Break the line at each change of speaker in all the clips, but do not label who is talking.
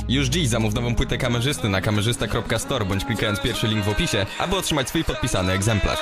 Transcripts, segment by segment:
Już dziś zamów nową płytę kamerzysty na kamerzysta.store bądź klikając pierwszy link w opisie, aby otrzymać swój podpisany egzemplarz.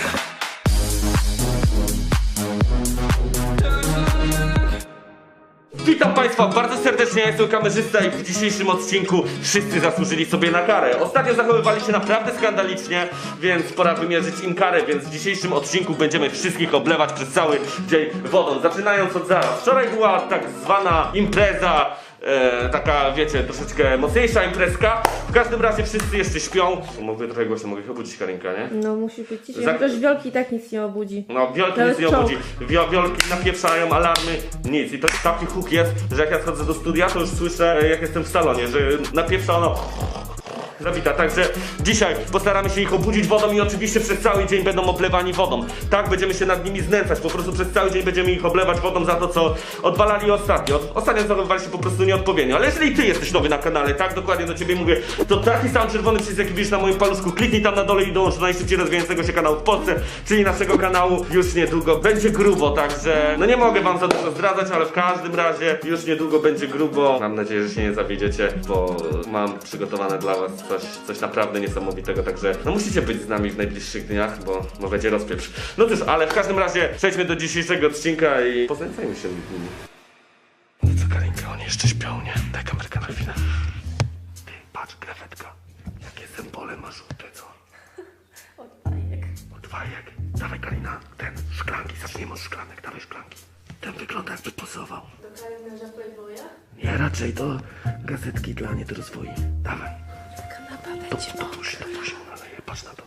Witam Państwa bardzo serdecznie, ja jestem kamerzysta i w dzisiejszym odcinku wszyscy zasłużyli sobie na karę. Ostatnio zachowywali się naprawdę skandalicznie, więc pora wymierzyć im karę, więc w dzisiejszym odcinku będziemy wszystkich oblewać przez cały dzień wodą. Zaczynając od zaraz. Wczoraj była tak zwana impreza, taka wiecie, troszeczkę mocniejsza imprezka. W każdym razie wszyscy jeszcze śpią. Mogę trochę głośno, mogę ich obudzić, Karinka, nie?
No musi być ciszej, też wielki i tak nic nie obudzi.
No, wielki
Nawet
nic nie
czołg.
obudzi. Wielki napieprzają, alarmy, nic. I to taki huk jest, że jak ja schodzę do studia, to już słyszę, jak jestem w salonie, że napieprza ono zabita. Także dzisiaj postaramy się ich obudzić wodą i oczywiście przez cały dzień będą oblewani wodą. Tak, będziemy się nad nimi znęcać, po prostu przez cały dzień będziemy ich oblewać wodą za to, co odwalali ostatnio. Ostatnio zachowywali się po prostu nieodpowiednio. Ale jeżeli ty jesteś nowy na kanale, tak, dokładnie do ciebie mówię, to taki sam czerwony przycisk, jaki widzisz na moim paluszku, kliknij tam na dole i dołącz do najszybciej rozwijającego się kanału w Polsce, czyli naszego kanału. Już niedługo będzie grubo, także no nie mogę wam za dużo zdradzać, ale w każdym razie już niedługo będzie grubo. Mam nadzieję, że się nie zawiedziecie, bo mam przygotowane dla was coś naprawdę niesamowitego, także no musicie być z nami w najbliższych dniach, bo będzie rozpieprz. No cóż, ale w każdym razie przejdźmy do dzisiejszego odcinka i poznajmy się z nimi. No co, Karinka, oni jeszcze śpią, nie? Daj kamerkę na chwilę. Ty, patrz, krewetka. Jakie symbole ma żółte, co?
Od bajek.
Od fajek. Dawaj, Karina, szklanki, zacznijmy od szklanek, dawaj szklanki. Ten wygląda jakby pozował.
Do kalendarza Playboya?
Nie, raczej do gazetki dla niedorozwoi. Dawaj.
Kanapa będzie.
To puść mu naleje, patrz na to.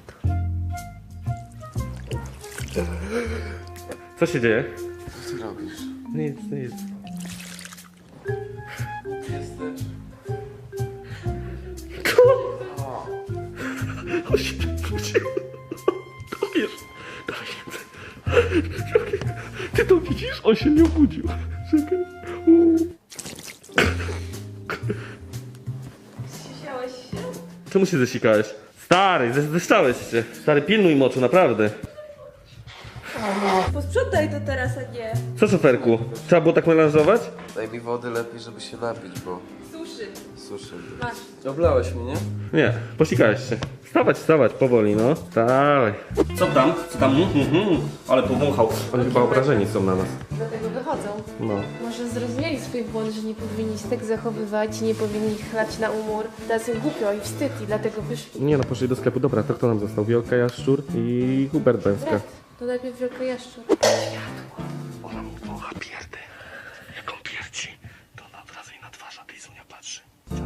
Co się dzieje?
Co ty robisz?
Nic.
Jesteś?
On się budził. Dawaj więcej. Ty to widzisz? On się nie obudził. Czekaj.
Zsiałeś się?
Czemu się zesikałeś? Stary, zeszczałeś się. Stary, pilnuj moczu, naprawdę.
Posprzątaj to teraz, a nie.
Co, szoferku? Trzeba było tak melanżować?
Daj mi wody lepiej, żeby się napić, bo
Suszy.
suszy.
Masz.
Oblałeś mnie, nie?
Nie, posikałeś się. Wstawać, powoli, no. Dawaj. Co tam? Ale powąchał. Oni chyba obrażeni są na nas.
Dlatego wychodzą.
No.
Może zrozumieli swój błąd, że nie powinni się tak zachowywać, nie powinni chlać na umór. Teraz im głupio i wstyd i dlatego wyszli.
Nie no, poszli do sklepu. Dobra, to kto nam został? Wielka Jaszczur i Hubert Bęska.
Brat, to najpierw wielka jaszczur.
Ona mu wącha pierdy. Jak on pierdzi, to ona od razu i na twarz, a tej Zunia patrzy.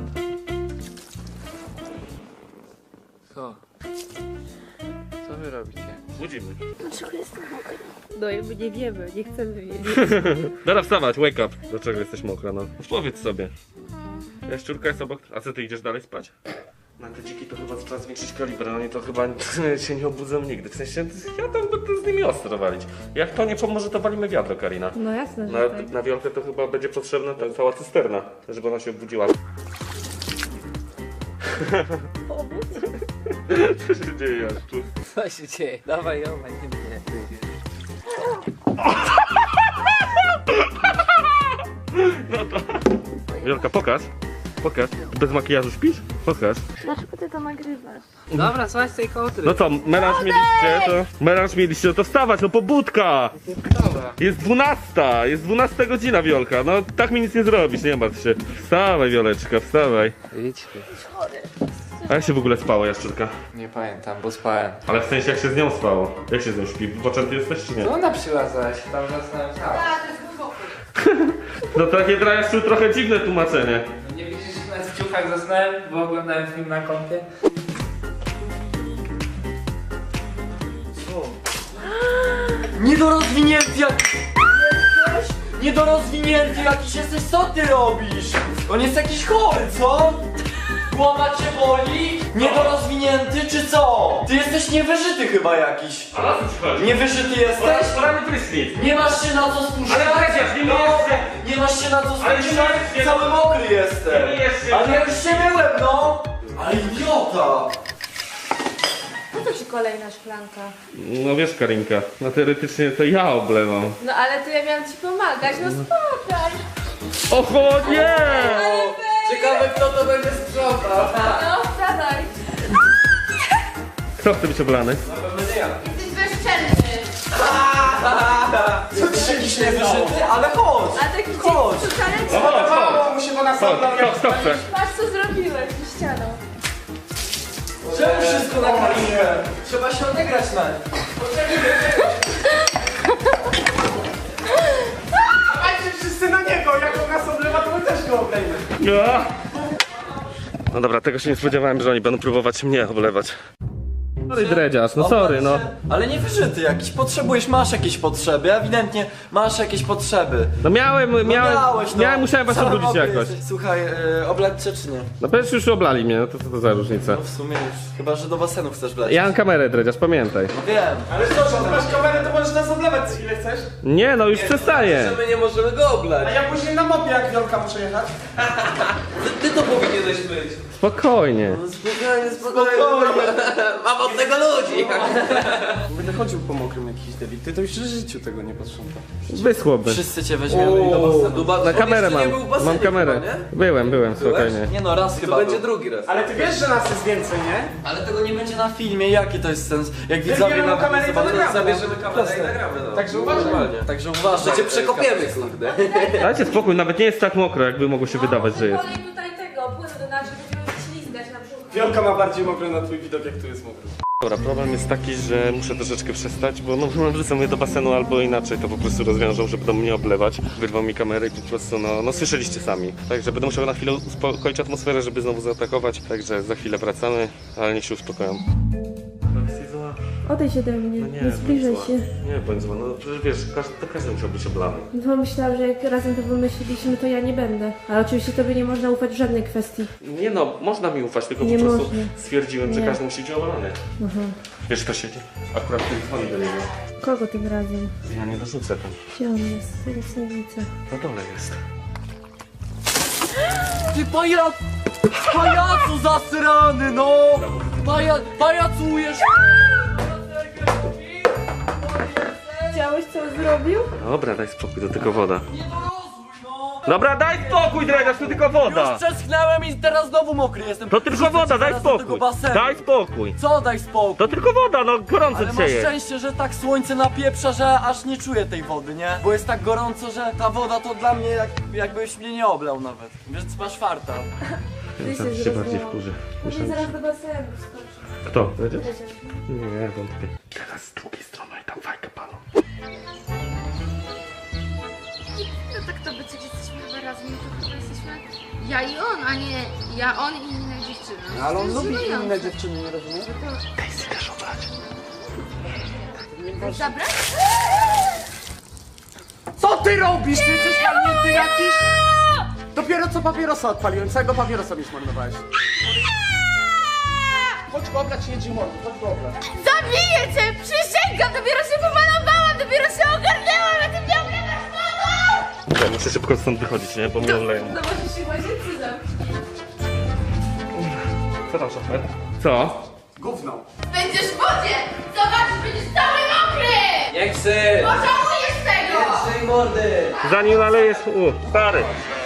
Co? Co wy robicie?
Budzimy.
Dlaczego jestem mokra? No my nie wiemy, nie chcemy wiedzieć.
Dobra, wstawać, wake up. Dlaczego jesteś mokra, no? Powiedz sobie. Jaszczurka jest obok. A co, ty idziesz dalej spać? Na te dziki to chyba trzeba zwiększyć kaliber, oni to chyba się nie obudzą nigdy. W sensie, ja tam będę z nimi ostro walić. Jak to nie pomoże, to walimy wiadro, Karina.
No jasne, że tak.
Na wiolkę to chyba będzie potrzebna ta cała cysterna, żeby ona się obudziła. Co się dzieje, Jaszczur?
Co się dzieje? Dawaj, nie mnie.
Wiolka, pokaż. Bez makijażu śpisz? Pokaż.
Dlaczego ty to nagrywasz?
Dobra, słuchaj z tej kołdry.
No co, melanż mieliście, no to wstawać, no pobudka!
Dobra.
Jest 12 godzina, Wiolka, no tak mi nic nie zrobisz, nie martw się. Wstawaj, Wioleczka, wstawaj.
Idźmy.
A jak się w ogóle spało, Jaszczurka?
Nie pamiętam, bo spałem.
Ale w sensie, jak się z nią spało? Jak się z nią śpi? Poczęty jesteś, czy nie?
Co ona przyłazałaś? Tam zasnąłem sam.
No takie dla Jaszczur trochę dziwne tłumaczenie.
Nie widzisz, że na ciuchach zasnąłem, bo oglądałem film na kompie?
Niedorozwinięty jak... Jesteś? Niedorozwinięty jakiś jesteś, co ty robisz? On jest jakiś chory, co? Głowa cię boli? Niedorozwinięty czy co? Ty jesteś niewyżyty chyba jakiś.
A na co ci chodzi?
Niewyżyty jesteś?
Poranny prysznic.
Nie masz się na co spuszczać?
Ale Dredziarz, nie
No,
myjesz się.
nie masz się na co
Ale nie
spuszczać?
myjesz się.
Cały mokry jestem.
Nie myjesz się.
Ale ja już się myłem, no. Ale idiota.
Po co ci kolejna szklanka?
No wiesz, Karinka, no teoretycznie to ja oblewam.
No ale to ja miałam ci pomagać, no spokaj.
Oho, nie!
Ciekawe kto to to będzie sprzątał.
No, wstawaj.
Kto chce być oblany?
Jesteś bezczelny.
Co ci się dzisiaj wyszyty? Ale chodź!
A taki
Chodź.
dzień
Chodź,
Musimy nas
kto chce?
Patrz co zrobiłeś z ścianą.
Czemu wszystko na kamerę? Trzeba się odegrać na nim.
Dajcie wszyscy na niego, jak on nas oblewa, to my też go oblejmy.
No dobra, tego się nie spodziewałem, że oni będą próbować mnie oblewać. Sorry dredziarz, no sorry, no.
Ale nie wyżyty jakiś, potrzebujesz, masz jakieś potrzeby, ewidentnie masz jakieś potrzeby.
No miałem, musiałem was
Co
obudzić
robisz?
jakoś.
Słuchaj, oblać cię czy nie?
No przecież już oblali mnie, no to co to za różnica?
No w sumie już, chyba że do basenu chcesz wlecieć.
Ja mam kamerę dredziarz, pamiętaj.
No wiem.
Ale co, że ty masz kamerę, to możesz nas oblewać ile chcesz.
Nie, no już przestaję.
My nie możemy go oblać.
A ja później na mopie, jak Wiolka muszę jechać.
Ty to powinieneś być.
Spokojnie.
Spokojnie, spokojnie. Mam od tego ludzi.
Będę chodził po mokrym jakiś debil. Ty to już w życiu tego nie posprząta.
Wyschłoby.
Wszyscy cię weźmiemy i do basenu.
Na kamerę mam kamerę. Byłem, spokojnie.
Nie no, raz chyba będzie drugi raz.
Ale ty wiesz, że nas jest więcej, nie?
Ale tego nie będzie na filmie, jaki to jest sens? Jak widzowie
Zabierzemy
na
kamerę i to nagramy.
zabierzemy kamerę i nagramy. No.
Także uważaj.
Także uważaj. Cię przekopiemy, kurde.
Dajcie spokój, nawet nie jest tak mokro, jakby mogło się wydawać, że jest.
Polej tutaj tego, płynu do nas, żeby nie ślizgać na brzuchu.
Wiolka ma bardziej mokre na twój widok, jak tu jest mokro.
Dobra, problem jest taki, że muszę troszeczkę przestać, bo no wrzucę mnie do basenu albo inaczej to po prostu rozwiążą, że będą mnie oblewać. Wyrwą mi kamerę i po prostu no słyszeliście sami. Także będę musiał na chwilę uspokoić atmosferę, żeby znowu zaatakować. Także za chwilę wracamy, ale niech się uspokoją.
Odejdź ode mnie, nie zbliżaj się.
Nie bądź zła, no przecież wiesz, każdy musiał być oblany.
No myślałam, że jak razem to wymyśliliśmy, to ja nie będę. Ale oczywiście tobie nie można ufać w żadnej kwestii.
Nie no, można mi ufać, tylko
Nie
po prostu
można.
stwierdziłem, że
Nie.
każdy musi być oblany. Wiesz kto siedzi? Akurat ten dzwoni do niego.
Kogo tym razem?
Ja nie dorzucę tam.
Gdzie on jest? Ja nic nie widzę.
Na dole jest.
Ty pajacu zasrany, no! Pajacujesz!
Widziałeś co on zrobił?
Dobra, daj spokój, to tylko woda.
Nie dorosłuj, no!
Dobra, daj spokój, dredziarz, to tylko woda!
Już przeschnęłem i teraz znowu mokry jestem.
To tylko
Wrzucę
woda,
cię
daj
zaraz do tego
spokój!
basenu.
Daj spokój!
Co daj spokój?
To tylko woda, no gorąco
Ale masz
dzisiaj jest.
szczęście, że tak słońce napieprza, że aż nie czuję tej wody, nie? Bo jest tak gorąco, że ta woda to dla mnie jakbyś mnie nie oblał nawet. Więc masz farta.
Tam się bardziej wkurzy.
Może zaraz do basenu wskoczy.
Kto? Dredziarz? Nie, wątpię. Teraz z drugiej strony i tam fajkę palą.
No tak to być, jak jesteśmy chyba razem, to chyba jesteśmy ja i on, a nie ja, on i inna dziewczyna.
Ale on
To jest
lubi
żenujące.
inne dziewczyny, nie rozumiesz?
Daisy też oblać.
Zabrać?
Co ty robisz? Ty jesteś palnięty jakiś? Dopiero co papierosa odpaliłem, całego papierosa mi zmarnowałeś. Chodź go oblać, jedź mordu, chodź go oblać.
Zabiję cię! Przysięgam! Dopiero się pomalowałam! Dopiero się ogarnęłam! A ty mnie oblewasz wodą!
Ja muszę szybko stąd wychodzić, nie? Bo mnie oleją.
No może się łaziency zamknąć.
Co tam, szofer? Co?
Gówno.
Będziesz w wodzie! Zobacz, będziesz cały mokry!
Nie chcę!
Pożałujesz tego!
Chcę mordy!
Zanim nalejesz... stary.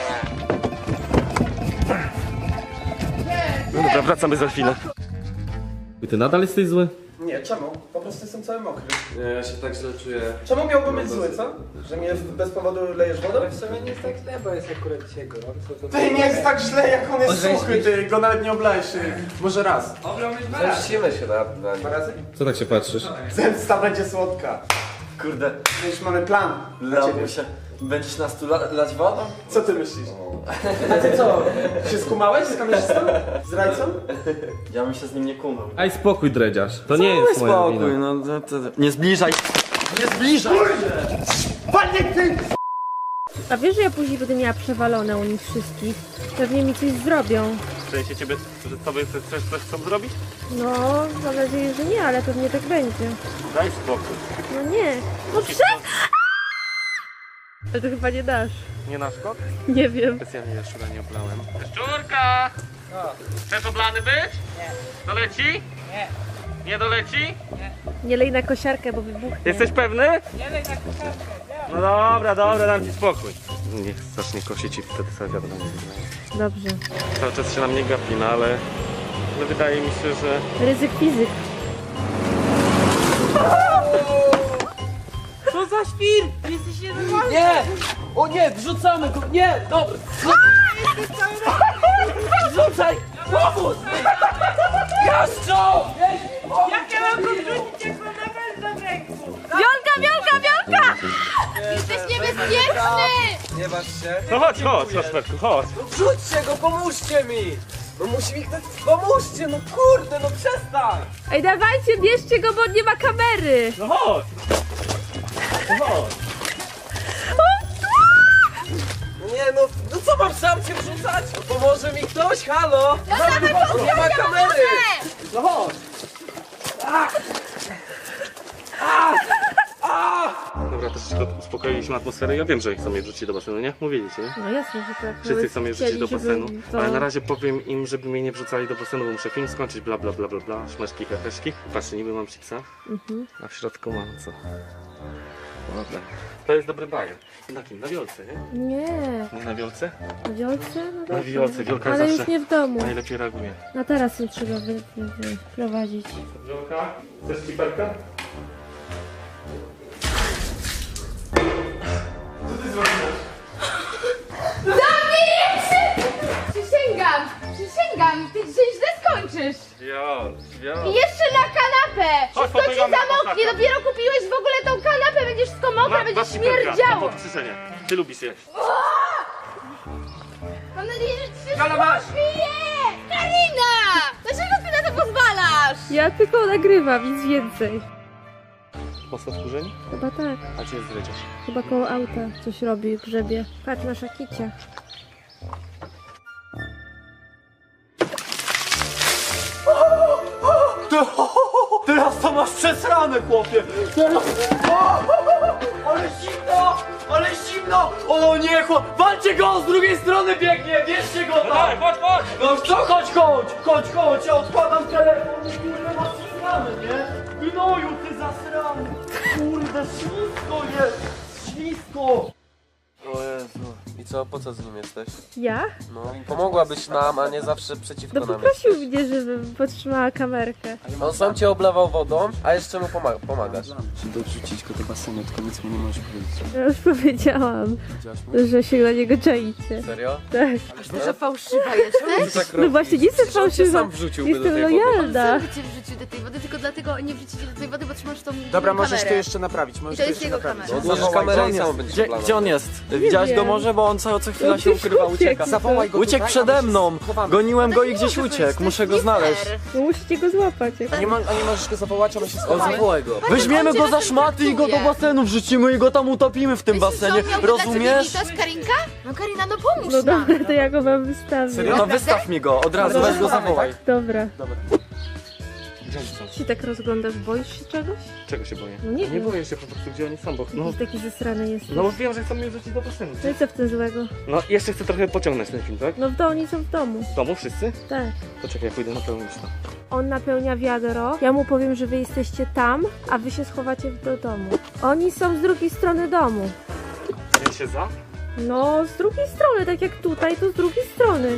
No dobra, wracamy za chwilę. I ty nadal jesteś zły?
Nie, czemu? Po prostu jestem cały mokry.
Nie, ja się tak źle czuję.
Czemu miałbym być zły, co? Że mnie bez powodu lejesz wodą?
W sumie nie jest tak źle, bo jest akurat dzisiaj gorąco. To
Ty nie jest tak źle, jak on jest suchy, ty go nawet nie oblałeś. Może raz.
zemścimy się na
Dwa razy?
Co tak się patrzysz?
Zemsta będzie słodka.
Kurde,
Już mamy plan dla ciebie.
lałbym się. Będziesz nas tu lać wodą?
Co ty myślisz? A ty co? Się skumałeś z kamerzystą? Z rajcą?
Ja bym się z nim nie kumał.
Daj spokój, dredziarz. To nie jest moja
spokój,
wina.
no nie zbliżaj. Nie zbliżaj!
Panie ty!
A wiesz, że ja później będę miała przewalone u nich wszystkich? Pewnie mi coś zrobią.
W sensie ciebie, że tobie coś chcą zrobić?
No, mam nadzieję, że nie, ale pewnie tak będzie.
Daj spokój.
No nie. No Ale to chyba nie dasz.
Nie nasz kot?
Nie wiem.
Specjalnie jaszczura nie oblałem. Szczurka! Chcesz oblany być? Nie. Doleci? Nie. Nie doleci?
Nie lej na kosiarkę, bo wybuchnie.
Jesteś pewny?
nie lej na kucharkę,
No dobra, dam ci spokój. Niech zacznie kosić i wtedy sobie wiadomo.
Dobrze.
Cały czas się na mnie gapi, no ale wydaje mi się, że...
Ryzyk fizyk.
Co za świr! Jesteś nienormalny! Nie! O nie, wrzucamy go! Nie! Dobra! Wrzucaj! Pomóż! Jaszczo!
Jak ja mam go wrzucić, jak mam na w ręku? Wiolka! Jesteś niebezpieczny!
Nie waż się.
No chodź, Kasperku, chodź.
No wrzućcie go, pomóżcie mi! No musi mi ktoś... Pomóżcie, no kurde, no przestań!
Ej, dawajcie, bierzcie go, bo on nie ma kamery.
No chodź. No chodź.
Nie no co mam sam cię wrzucać? No pomoże mi ktoś, halo? No nie ma kamery! No chodź!
Dobra, troszeczkę uspokoiliśmy atmosferę. Ja wiem, że chcą mnie wrzucić do basenu, nie? mówiliście, nie?
No jasne, że tak.
Wszyscy chcą mnie wrzucić do basenu,
to...
ale na razie powiem im, żeby mnie nie wrzucali do basenu, bo muszę film skończyć, bla bla bla bla bla, szmeszki, heheszki. Patrzcie, niby mam chipsa, a w środku mam co? Dobra. To jest dobry bajer. Na kim? Na wiolce, nie?
Nie.
Nie na wiolce?
Na wiolce? No
Na
dobrze.
wiolce, wiolka
Ale
zawsze
już nie w domu.
najlepiej reaguje.
Na teraz ją trzeba wyprowadzić.
Wiolka, chcesz kiperka?
Przysięgam, ty dzisiaj źle skończysz.
Wiol.
I jeszcze na kanapę!
Chodź,
Wszystko ci
pobiegamy po
zamoknie,
chatę.
dopiero kupiłeś w ogóle tą kanapę, będziesz wszystko mokre, będzie śmierdziało.
Podkrzyczenie. Ty lubisz jeść.
Mam nadzieję, że ci się
Kala, masz!
śmieje! Karina! Dlaczego ty na to pozwalasz?
Ja tylko nagrywam, nic więcej.
Mocno wkurzeni?
Chyba tak.
A gdzie jest dredziarz?
Chyba koło auta coś robi, grzebie. Patrz, nasza kicia.
Teraz to masz przesrane, chłopie! Teraz... Ale zimno! Ale zimno! O nie, walcie go! Z drugiej strony biegnie! Bierzcie go tam!
Dawaj, chodź!
No co? Chodź! Ja odkładam telefon i kurde masz przesrane, nie? Gnoju, ty zasrany! Kurde, ślisko jest! Ślisko!
O Jezu. I co, po co z nim jesteś?
Ja?
No, pomogłabyś nam, a nie zawsze przeciwko
No
nam
poprosił
jesteś.
mnie, żebym podtrzymała kamerkę.
On sam cię oblewał wodą, a jeszcze mu pomagasz.
Dorzucić go do basenu, tylko nic mu nie możesz powiedzieć.
Ja już powiedziałam, że się na niego czaicie.
Serio?
Tak.
Że fałszywa jesteś?
Tak
No właśnie, nie jestem
Przecież on cię
fałszywa.
sam wrzuciłby do
Jestem
tej wody.
lojalna.
Sam cię wrzucił do tej wody, tylko dlatego nie wrzucicie do tej wody, bo trzymasz tą
Dobra,
drugą
możesz
kamerę.
to jeszcze naprawić, możesz
I to
to
jest
jeszcze
jego
naprawić.
kamera.
Odłożysz kamerę i sam będziesz oglądał.
Gdzie on jest? Widziałaś go
wiem.
może? Bo on co chwilę się
gdzieś
ukrywa,
uciekł.
ucieka.
Zawołaj go
Uciekł
tutaj,
przede
a my się
mną!
schowamy.
Goniłem go i
Nie
gdzieś
może być,
uciekł,
to
muszę
jest
go
nie
znaleźć.
fair.
No musicie go złapać. Jak...
A nie możesz go zawołać, a my się
O,
schowamy.
zawołaj go.
Patrz,
Weźmiemy
on cię
go za
razem
szmaty i go do
traktuje.
basenu wrzucimy i go tam utopimy w tym
Myślisz, że on
basenie.
miałby dać sobie
Rozumiesz?
gitas, Karinka? No Karina, no pomóż
No
nam.
dobra, to ja go wam wystawię.
Serio?
No wystaw mi go, od razu,
Dobra.
weź go zawołaj.
Dobra.
Gdzie oni są?
Się tak rozglądasz, boisz się czegoś?
Czego się boję?
No nie
Nie
wiem.
boję się po prostu, gdzie oni są, bo... No,
Jakiś taki zesrany jesteś.
no bo wiem, że chcą mnie wrzucić do basenu.
No i co w tym złego?
No jeszcze chcę trochę pociągnąć ten film, tak?
No oni są w domu.
W domu wszyscy?
Tak.
To czekaj, ja pójdę napełnić to.
On napełnia wiadro, ja mu powiem, że wy jesteście tam, a wy się schowacie do domu. Oni są z drugiej strony domu.
Ja się za?
No, z drugiej strony, tak jak tutaj, to z drugiej strony.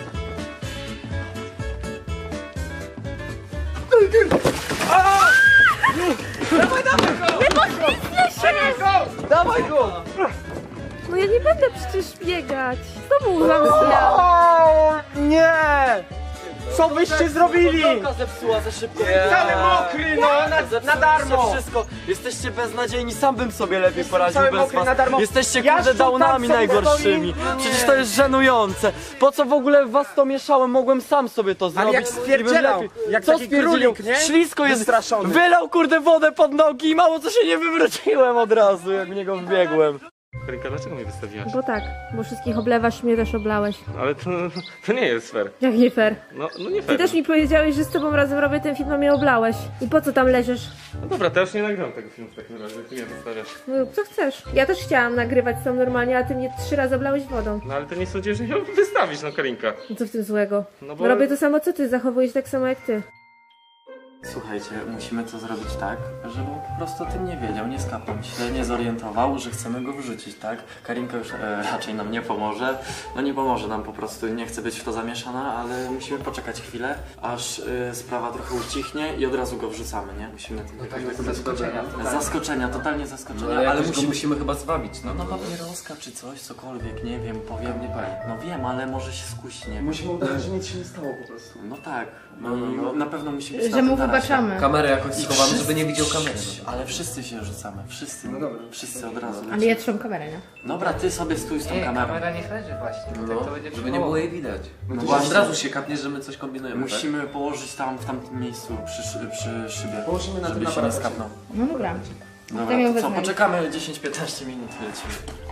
Dawaj go!
No ja nie będę przecież biegać. Znowu wam zmiał.
O, nie! Co byście zrobili?
Wiolka zepsuła za szybko.
Cały mokry, no, na
Zepsuliście
darmo.
wszystko. Jesteście beznadziejni, sam bym sobie lepiej
Jestem
poradził
cały
bez
mokry,
was.
na darmo.
Jesteście
Ja
kurde
szczutam
downami
sobie
najgorszymi.
stoi.
Przecież to jest żenujące. Po co w ogóle w was to mieszałem? Mogłem sam sobie to zrobić.
jak
I bym
spierdzielał,
lepiej-
jak
Co
taki
spierdzielił?
królik, nie?
Ślisko jest.
Wystraszony.
Wylał kurde wodę pod nogi i mało co się nie wywróciłem od razu, jak w niego wbiegłem.
Karinka, dlaczego mnie wystawiłaś?
Bo tak, bo wszystkich oblewasz, mnie też oblałeś.
Ale to nie jest fair.
Jak nie fair.
No nie
Ty
fair.
też mi powiedziałeś, że z tobą razem robię ten film, a mnie oblałeś. I po co tam leżysz?
No dobra, to już nie nagram tego filmu w takim razie, ty mnie wystawiasz.
No co chcesz? Ja też chciałam nagrywać z tobą normalnie, a ty mnie 3 razy oblałeś wodą.
No ale to nie sądzisz, że ją wystawisz, no Karinka.
No co w tym złego?
No bo...
Robię to samo co ty, zachowuję się tak samo jak ty.
Słuchajcie, musimy to zrobić tak, żeby on po prostu o tym nie wiedział, nie skapnął się, nie zorientował, że chcemy go wrzucić, tak? Karinka już raczej nam nie pomoże. No nie pomoże nam po prostu, nie chce być w to zamieszana, ale musimy poczekać chwilę, aż sprawa trochę ucichnie i od razu go wrzucamy, nie? Musimy to zaskoczenia, totalnie zaskoczenia, ale musimy chyba zwabić, no papieroska czy coś, cokolwiek, nie wiem, powiem, nie powiem. No wiem, ale może się skusi, nie?
Musimy udać, że nic się nie stało po prostu.
No tak, no, na pewno musi być
Że
na
mu
tym tarasie.
wybaczamy.
Kamerę jakoś schowamy, żeby nie widział kamery.
Ale wszyscy się rzucamy, wszyscy.
No dobra.
Wszyscy od razu.
Ale ja trzymam kamerę, nie?
Dobra, ty sobie stój z tą kamerą.
Kamera niech leży właśnie, bo tak to będzie
Żeby nie było jej widać. No
to
to
właśnie.
od razu się kapnie, że my coś kombinujemy.
Musimy położyć tam, w tamtym miejscu, przy szybie.
Położymy na tym
żeby się nie
aparacie.
skapnął.
No dobra.
Dobra,
ją
to co,
wezmę.
poczekamy 10-15 minut i lecimy.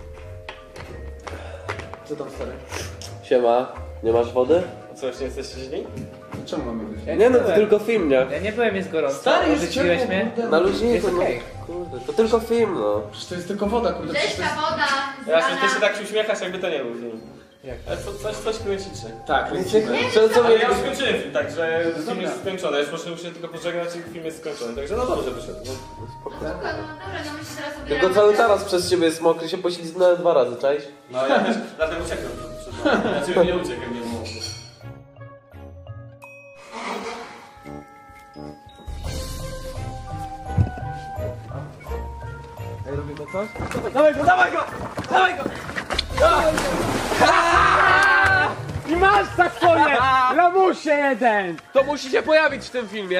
Co tam stary?
Siema, nie masz wody?
Co, jeszcze jesteście źli? Czemu mamy być?
Nie no, to tylko film, nie?
Ja nie byłem, jest gorąco.
Stary, już
Odrzuciłeś
ciepło,
mnie?
kurde.
Na luźniku,
Jest
no.
okej.
Kurde, to tylko film, no.
Przecież to jest tylko woda, kurde.
Cześć, ta woda!
Właśnie ty się tak uśmiechasz, jakby to nie był film. Jak? Ale coś kręcicie.
Tak, lecimy.
Co
Ale ja już skończyłem film, także film jest skończony. Ja już muszę się tylko pożegnać i film jest skończony. Także no dobrze wyszedł. No.
Spoko, no dobra, no my się teraz ubieramy.
Tylko cały taras przez ciebie jest mokry, się poślizgnąłem 2 razy, czaisz?
No ja też, dlatego uciekłem przed wami. Znaczy nie uciekłem, nie było.
Ej, robimy coś?
I masz za swoje! Lamusie jeden!
To musi się pojawić w tym filmie.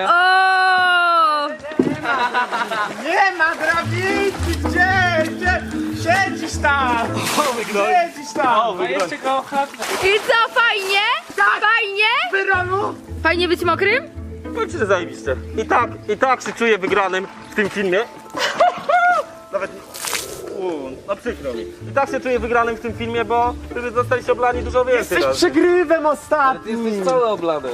Nie ma drabinki! Gdzie? Siedzisz tam! Siedzisz tam!
A jeszcze go chlapnę.
I co, fajnie? Fajnie?
Wyronu!
Fajnie być mokrym?
Powiem, że zajebiście. I tak się czuję wygranym w tym filmie. Nawet... no przykro mi. I tak się czuję wygranym w tym filmie, bo wy zostaliście oblani dużo więcej.
Jesteś przegrywem
Ty
ostatnim!
jesteś cały oblany.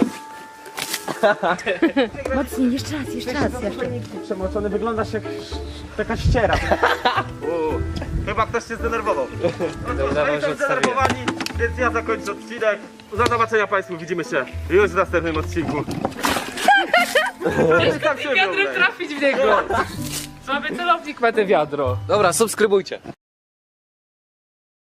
Mocniej, jeszcze raz.
Przemoczony, wyglądasz jak taka ściera.
Chyba ktoś się zdenerwował. No cóż, no jestem zdenerwowani, więc ja zakończę odcinek. Do zobaczenia Państwu, widzimy się już w następnym odcinku.
Wiadrem trafić w niego. Słaby celownik ma te wiadro.
Dobra, subskrybujcie.